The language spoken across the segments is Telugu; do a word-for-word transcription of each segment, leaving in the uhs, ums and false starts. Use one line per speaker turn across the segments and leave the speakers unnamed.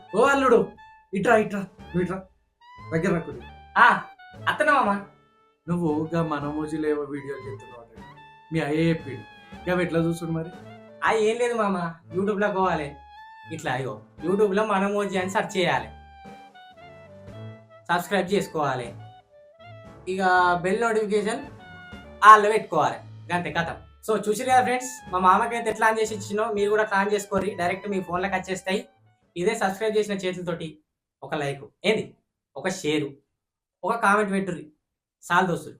ఓ అల్లుడు, ఇట్రా ఇట్రా నువ్వు ఇట్రా, దగ్గర రాకుడు.
ఆ అత్తనా మామ.
నువ్వు గా మనమోజీలో ఏవో వీడియోలు చేస్తున్నావు అట. మీ అయ్యే చెప్పిండు. ఇక ఎట్లా చూస్తుండు మరి?
ఆ ఏం లేదు మామ, యూట్యూబ్లో పోవాలి. ఇట్లా అయ్యో యూట్యూబ్లో మనమోజీ అని సెర్చ్ చేయాలి, సబ్స్క్రైబ్ చేసుకోవాలి, ఇక బెల్ నోటిఫికేషన్ ఆల్లో పెట్టుకోవాలి, అంతే కథం. సో చూసిరు కదా ఫ్రెండ్స్, మా మామకైతే ఎట్లా ఆన్ చేసి ఇచ్చినో మీరు కూడా ప్లాన్ చేసుకోరి, డైరెక్ట్ మీ ఫోన్లోకి వచ్చేస్తాయి. ఇదే సబ్స్క్రైబ్ చేసిన చేతులతోటి ఒక లైక్ ఏంది, ఒక షేరు, ఒక కామెంట్ పెట్టుర్రి సాల్ దోస్తులు.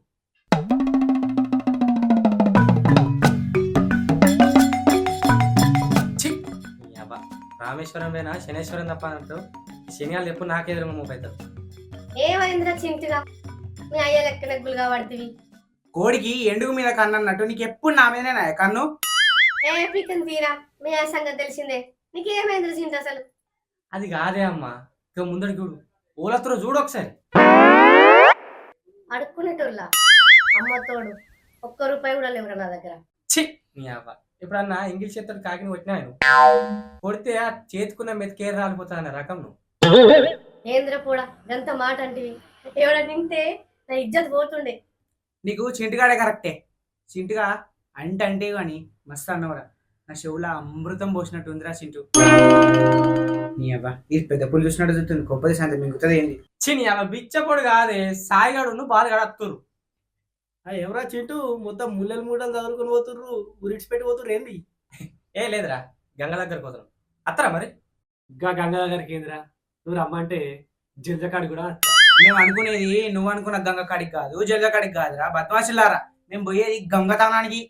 ఛీ! నీ అబ్బా, రామేశ్వరం పోయినా శనేశ్వరం తప్ప అన్నట్టు శనియాలు ఎప్పుడు నాకెదురు మూవ్ అవుతారు.
ఏమైందిరా చింటిగా, మీ అయ్య లెక్కన గుల్గా పడుతుంది.
కోడికి ఎండుగు మీద కన్ను అన్నట్టు నీకు ఎప్పుడు నా మీదనే కన్ను.
ఏ పీకన్ తీరా, మీ అయ్య సంగతి తెలిసిందే. నీకేమైందిరా చింటి అసలు?
అది కాదే అమ్మా, ఇక ముందడి చూడు, ఓలత్తులో చూడు ఒకసారి.
అడుక్కునేటోళ్ళ అమ్మ తోడు ఒక్క రూపాయి కూడా లేవురా నా దగ్గర.
ఛీ! నీ అవ్వ, ఎప్పుడన్నా ఇంగ్లీష్ చేతుడు కాకిని కొట్టినాను, కొడితే ఆ చేతుకున్న మెతికేరు రాలిపోతా అన్న రకం నువ్వు.
ఏంద్ర కూడా గంత మాట అంటివి, ఎవడ నింటే నా ఇజ్జత్ పోతుండే.
నీకు చింటిగాడే కరెక్టే. చింటిగా అంటే అంటే గాని మస్తు అన్నవరా, నా చెవులో అమృతం పోసినట్టు ఉందిరా చింటూ. నీ అబ్బా ఇది పెద్ద పుల్లు చూసినట్టు చూస్తుంది, గొప్పది శాంతి మిగుతుంది ఏంది.
ఛీ! నీ అవ్వ బిచ్చపొడు కాదే, సాయిగాడు బాలుగాడు అత్తురు.
ఎవరా చింటూ మొత్తం ముల్లెలు మూటలు చదువుకుని పోతుర్రు, ఉరిడ్చి పెట్టి పోతుర్రు ఏంది?
ఏ లేదురా, గంగ దగ్గరకు పోతున్నాం, అత్తరా మరి.
ఇంకా గంగా దగ్గరికి ఏందిరా, నువ్వు రమ్మంటే జింజకాడి కూడా వస్తా.
మేము అనుకునేది నువ్వు అనుకున్న గంగ కాడికి కాదు, జల్గ కాడికి కాదురా బద్మాషిల్లారా. మేము పోయేది గంగతానానికి.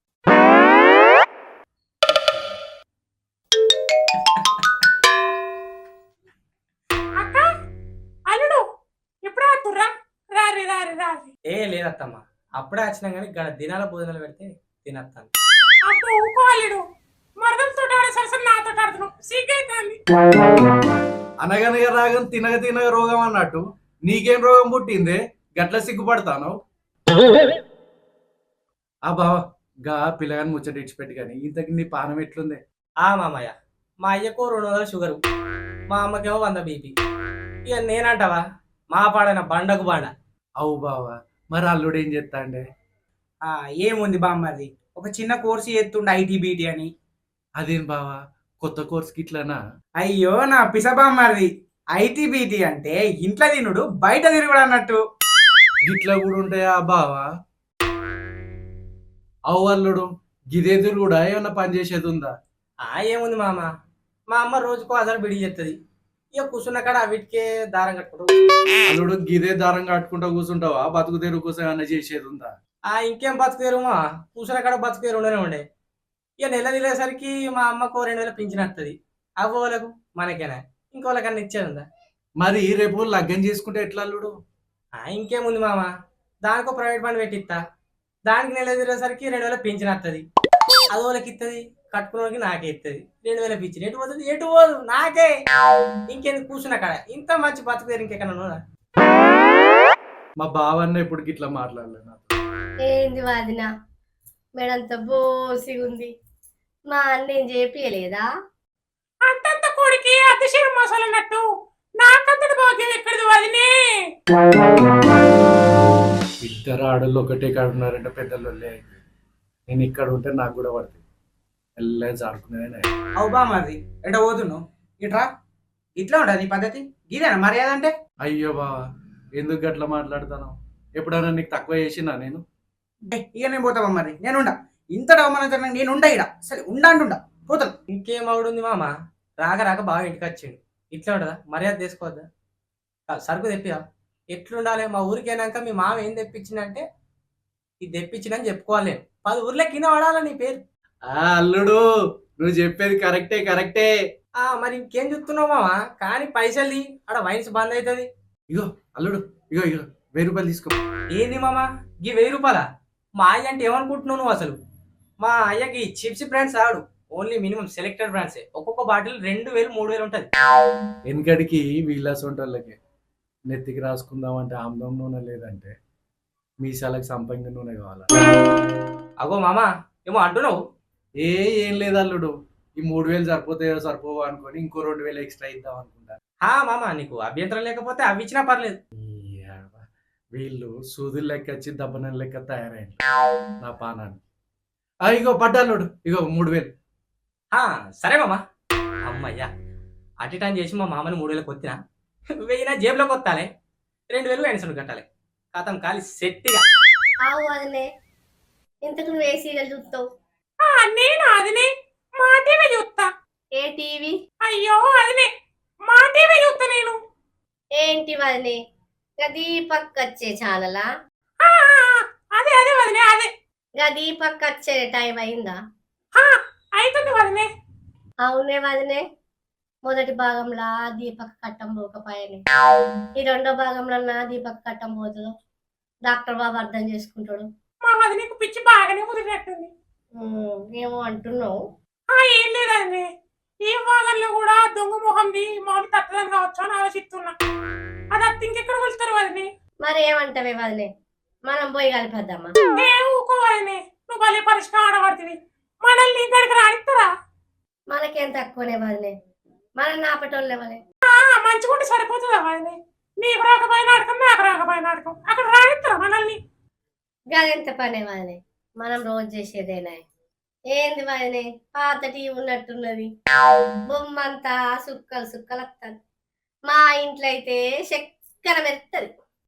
ఏ లేదత్తమ్మా, అప్పుడే వచ్చినా కానీ గడ దినాల భోజనాలు పెడితే తినత్తాను.
అనగనగా రాగం తినగ తినగ రోగం అన్నట్టు నీకేం రోగం పుట్టిందే గట్ల సిగ్గుపడతాను? ఆ బావ గా పిల్లగాని ముచ్చట ఇచ్చిపెట్టి కానీ ఇంతకి నీ పానం ఎట్లుంది?
ఆ మామయ్య, మా అయ్యకు రెండు వందల షుగరు, మా అమ్మకేమో వంద బీపీ. ఇక నేనంటావా మా పాడైన బండకు బండ.
అవు బావా, మరి అల్లుడు ఏం చేస్తా అండే?
ఆ ఏముంది బామ్మది, ఒక చిన్న కోర్సు చేస్తుండే ఐటీ బీటీ అని.
అదేం బావా, కొత్త కోర్సుకి ఇట్లానా?
అయ్యో నా పిసబామ్మది, ఐటీ బీటీ అంటే ఇంట్లో తినుడు బయట తిరుగుడు అన్నట్టు.
గిట్లా కూడా ఉంటాయా బావా? అవు అల్లుడు, గిదేదురు కూడా ఏమన్నా పని చేసేది ఉందా?
ఆ ఏముంది మామ, మా అమ్మ రోజుకో అసలు బిడి చేస్తుంది, ఇక కూర్చున్న కాడ వీటికే దారం కట్టుకుంటూ.
అల్లుడు గిదే దారం కట్టుకుంటా కూర్చుంటావా? బతుకు తెరువు కోసం ఏమన్నా చేసేది ఉందా?
ఆ ఇంకేం బతుకుదేరు మా, కూర్చున్న కాడ బతుకుదేరు ఉండనే ఉండే. ఇక నెల తిరిగేసరికి మా అమ్మకు రెండు వేల పింఛన్ వస్తుంది, అవ్వ వాళ్ళకు మనకేనా ఇంకో వాళ్ళకన్నా ఇచ్చేది ఉందా?
మరి రేపు లగ్గం చేసుకుంటే ఎట్లా అల్లుడు?
ఆ ఇంకేముంది మామ, దానికో ప్రైవేట్ బండి పెట్టిస్తా, దానికి నెల తిరిగేసరికి రెండు వేల పింఛన్ వస్తుంది, అది వాళ్ళకి ఇస్తుంది, కట్టుకున్న వాళ్ళకి నాకే ఇస్తుంది. రెండు వేల పింఛన్ ఎటు పోతుంది? ఎటు పోదు నాకే. ఇంకెందుకు కూర్చున్న కాడ, ఇంత మంచి బతుకుదేరు ఇంకెక్కడ ఉన్నదా?
మా బావన్న ఇప్పుడు గిట్లా మాట్లాడలేదు నాతో.
ఏంది వాదిన, మేడంత బోసిగా ఉంది. మా అన్న ఏం చేపియలేదా?
అంతంత కోడికి అతిశయం మసాలన్నట్టు నాకంతటి భాగ్యం ఎక్కడిది వదినే.
ఇద్దరు ఆడళ్ళు ఒకటే కాడ ఉన్నారంటే పెద్దలు నేను ఇక్కడ ఉంటే నాకు కూడా పడుతుంది, ఎల్ల జారుకునే.
అవు బామ్మది ఎట పోతున్నావు? ఇట్రా, ఇట్లా ఉంటుంది నీ పద్ధతి, ఇదేనా మర్యాద అంటే?
అయ్యో బావా, ఎందుకు గట్లా మాట్లాడతాను? ఎప్పుడైనా నీకు తక్కువ చేసినా నేను?
ఏ, ఇక నేను పోతా బామ్మది, నేను ఉండా. ఇంత అవమానం నేను ఉండా, ఇడ సరే ఉండా అంటుండా, పోతాను.
ఇంకేం అవుడుంది మామ, రాక రాక బాగా ఇంటికి వచ్చిండు, ఇట్లా ఉంటుందా? మర్యాద తీసుకోవద్దా? కా- సరుకు తెప్పిదా? ఎట్లుండాలి? మా ఊరికి అయినాక మీ మామ ఏం తెప్పించిందంటే ఇది తెప్పించిందని చెప్పుకోవాలి నేను, పది ఊర్లే కింద పడాలా నీ పేరు.
ఆ అల్లుడు, నువ్వు చెప్పేది కరెక్టే కరెక్టే.
ఆ మరి ఇంకేం చెప్తున్నావు మామ, కానీ పైసలు ఆడ వైన్స్ బంద్ అవుతుంది.
ఇగో అల్లుడు, ఇగో ఇగో వెయ్యి రూపాయలు తీసుకో.
ఏంది మామ ఈ వెయ్యి రూపాయలా? మా అయ్య అంటే ఏమనుకుంటున్నావు నువ్వు అసలు? మా అయ్యకి చిప్స్ బ్రాండ్స్ ఆడు, ఓన్లీ మినిమం సెలెక్టెడ్ బ్రాండ్సే, ఒక్కొక్క బాటిల్ రెండు వేలు మూడు వేలు ఉంటుంది.
వెనకడికి వీళ్ళ సొంటోళ్ళకి నెత్తికి రాసుకుందామంటే ఆమ్లం నూనె లేదంటే మీసాలకు సంపంగి నూనె కావాలా?
అగో మామ ఏమో అంటున్నావు?
ఏ ఏం లేదు అల్లుడు, ఈ మూడు వేలు సరిపోతాయో సరిపోవో అనుకొని ఇంకో రెండు వేలు ఎక్స్ట్రా ఇద్దాం అనుకుంటా.
హా మామ, నీకు అభ్యంతరం లేకపోతే అవి ఇచ్చినా పర్లేదు.
ఈ యవ్వ, వీళ్ళు సూదులు లెక్క వచ్చి దబ్బనం లెక్క తయారైంది నా పానాన్ని. ఆ, ఇగో పడ్డాలోడు, ఇగో మూడు వేలు.
హా సరే మామ. అమ్మయ్యా, అటు టైం చేసి మా మామని మూడు వేలకు కొత్తినా వెయ్యినా జేబులోకి కొత్తాలే, రెండు వేలు వెనసడు కట్టాలి. కథం కాలి సెట్టిగా.
ఆవు వదినే, ఇంతకు నువ్వు ఏ సీరియల్ చూస్తావు?
ఆ, నేను అదినే మా టీవీ చూస్తా.
ఏ టీవీ?
అయ్యో అదినే మా టీవీ చూస్తా నేను.
ఏంటి వదినే, గా దీపక్ వచ్చే ఛానలా?
ఆ, ఆ, ఆ, అదే అదే వదినే అదే.
గా దీపక్ వచ్చే టైం అయిందా?
ఆ, అవుతుంది వదినే.
అవునే వదినే, మొదటి భాగంలో దీపక్ కట్టం పోకపోయానే, ఈ రెండో భాగంలో దీపక్ కట్టం పోతుందో డాక్టర్ బాబు అర్థం చేసుకుంటాడు.
మా వదినేకు పిచ్చి బాగానే కుదిరినట్టుంది.
ఉమ్, ఏమో అంటున్నావు.
ఆ, ఏం లేదండి, ఈ భాగంలో కూడా దొంగ మొహంది మొహం తట్టదని కావచ్చు అని ఆలోచిస్తున్నా. అది అత్త ఇంకెక్కడ వెళ్తారు వదినే?
మరి ఏమంటావే వదినే, మనం పోయి కలిపేద్దామా?
ఏ ఊకో వదినే, నువ్వు భలే పరిష్కారం ఆడబడుతుంది. మనల్ని ఇక్కడికి రానిస్తారా?
మనకేం తక్కువనే వదినే, మనం నాపటోళ్ళే వలే.
మంచిగుంటే సరిపోతుందా వదినే? నీకు రాకపోయిన ఆడకం, నాకు రాకపోయిన ఆడకం, అక్కడ రానిస్తారా మనల్ని?
గదెంత పనే వదినే, మనం రోజు చేసేదేనా? ఏంది వదినే, పాత టీవీ ఉన్నట్టున్నది, బొమ్మంతా సుక్కలు సుక్కలు వస్తుంది. మా ఇంట్లో అయితే చక్కెర మెత్తది.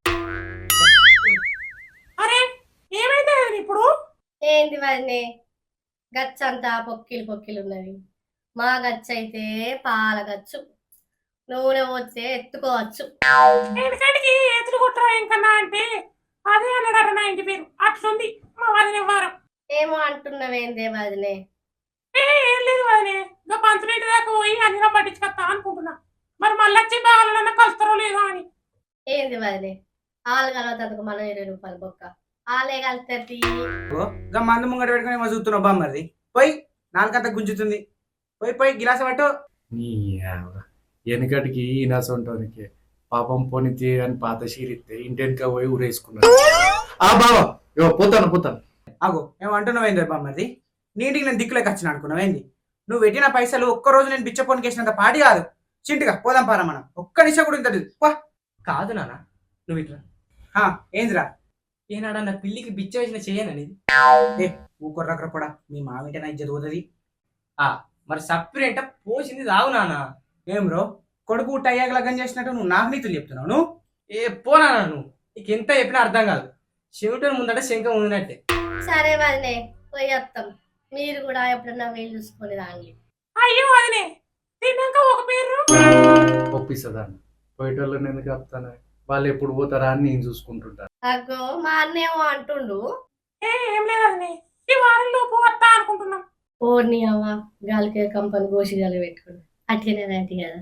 అరే ఏమైంది వదినే ఇప్పుడు?
ఏంది వదినే, గచ్చంతా పొక్కిలు పొక్కిలు ఉన్నది. మా గచ్చ అయితే పాల గచ్చు, నూనె పోతే ఎత్తుకోవచ్చు.
ఎందుకంటే ఎదురు కొట్టరా ఇంకన్నా అంటే అదే అన్నాడట నా ఇంటి పేరు. అట్లుంది మా వదిన వారం.
ఏమో అంటున్నవేందే వదినే?
ఏ ఏం లేదు వదినే, ఇంకా పంచులేటి దాకా పోయి అన్నిలో పట్టించుకొస్తా అనుకుంటున్నా. మరి మళ్ళీ వచ్చి బాగాలన్నా కలుస్తారో లేదో అని.
ఏంది వదినే, ఆలు కలవతందుకు మనం ఇరవై రూపాయలు బొక్క, ఆలే కలితే
ఇంకా మందు ముంగట పెట్టుకుని ఏమో చూస్తున్నావు బామ్మది. పోయి నాలుగంత గుంజుతుంది, పోయి పోయి గిలాస పట్టు.
నీ యవ్వ, వెనకటికి ఈనాసంటానికి పాపం పోనితే అని పాత షీరిస్తే ఇంటెనక పోయి ఊరేసుకున్నాడు. ఆ బావ, ఇగో పోతాను పోతాను.
ఆగో ఏమో అంటున్నావేంది బామ్మది? నీటికి నేను దిక్కులేక వచ్చిన అనుకున్నావేంది? నువ్వు పెట్టిన పైసలు ఒక్క రోజు నేను బిచ్చపోనికి వేసినంత పాటి కాదు. చింటిగా పోదాం పారా మనం, ఒక్క నిమిషం కూడా ఇంతది.
కాదు నాన్న, నువ్వు ఇట్లా
ఏందిరా?
ఏనాడా నా పిల్లికి బిచ్చ వేసిన చేయననేది.
ఏ ఊకొర్రక్కడ కూడా మీ మామింటే నా ఇజ్జత పోతుంది.
మరి సప్పిరేంట పోసింది రావు నాన్న.
ఏం బ్రో, కొడుకు టయ్యాక లగ్గం చేసినట్టు నువ్వు నాకు నీతులు చెప్తున్నావు. నువ్వు
ఏ పోనా నువ్వు, నీకు ఎంత చెప్పినా అర్థం కాదు. చెవిటని ముందంటే శంఖం ఉందినట్టే.
సరే వదినే, పోయి వస్తాం. మీరు కూడా ఎప్పుడన్నా వీలు చూసుకొని రాండి.
అయ్యో వదినే, తిన్నాక ఒక పేరు
ఒప్పిస్తుందాన్ని పోయేటోళ్ళని ఎందుకు చెప్తాను, వాళ్ళు ఎప్పుడు పోతారా అని నేను చూసుకుంటుంటాను.
అగ్గో మా అన్నేమో అంటుండు.
ఏ ఏం లేదు వదినే, ఈ వారం లోపు వస్తా అనుకుంటున్నాం.
ఓర్ని అవ్వ, గాలికి కంపని గోసి గాలి పెట్టుకుని అట్లనే రండి కదా.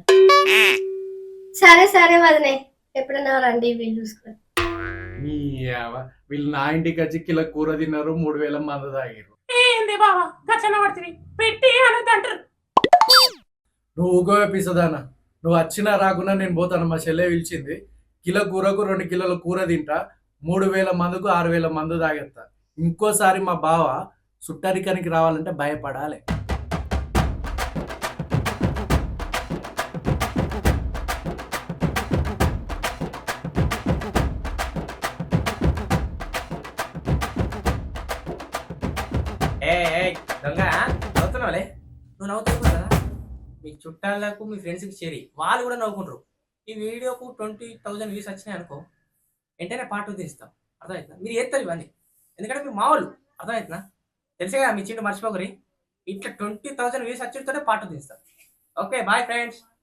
సరే సరే వదినే, ఎప్పుడన్నా రండి వీలు చూసుకొని.
నీ యవ్వ, వీళ్ళు నా ఇంటికి వచ్చి కిలో కూర తిన్నారు, మూడు వేల మంది తాగారు.
ఏంది బాబా గచ్చన పడుతుంది పెట్టి అనేది అంటారు.
నువ్వు ఊగో పిసదానా, నువ్వు వచ్చినా రాకున్నా నేను పోతాను. మా చెల్లె పిలిచింది, కిలో కూరకు రెండు కిలోల కూర తింటా, మూడు వేల మందుకు ఆరు వేల మందు తాగేస్తా. ఇంకోసారి మా బావ సుట్టరికానికి రావాలంటే భయపడాలి.
ఏ దొంగ నవ్వుతున్నావులే, నువ్వు నవ్వుతున్నావు కదా, మీ చుట్టాలకు మీ ఫ్రెండ్స్కి చేరి వాళ్ళు కూడా నవ్వుకుంటారు. ఈ వీడియోకు ట్వంటీ థౌజండ్ వ్యూస్ వచ్చినాయి అనుకో, వెంటనే పార్ట్ టూ తీస్తాం. అర్థమవుతుందా? మీరు చేస్తారు ఇవన్నీ, ఎందుకంటే మీరు మా వాళ్ళు. అర్థమవుతుందా? తెలిసే కదా మీ చింటూ మర్చిపోకరి. ఇట్లా ట్వంటీ థౌజండ్ వ్యూస్ వచ్చితోనే పార్ట్ టూ తీస్తాం. Okay bye friends.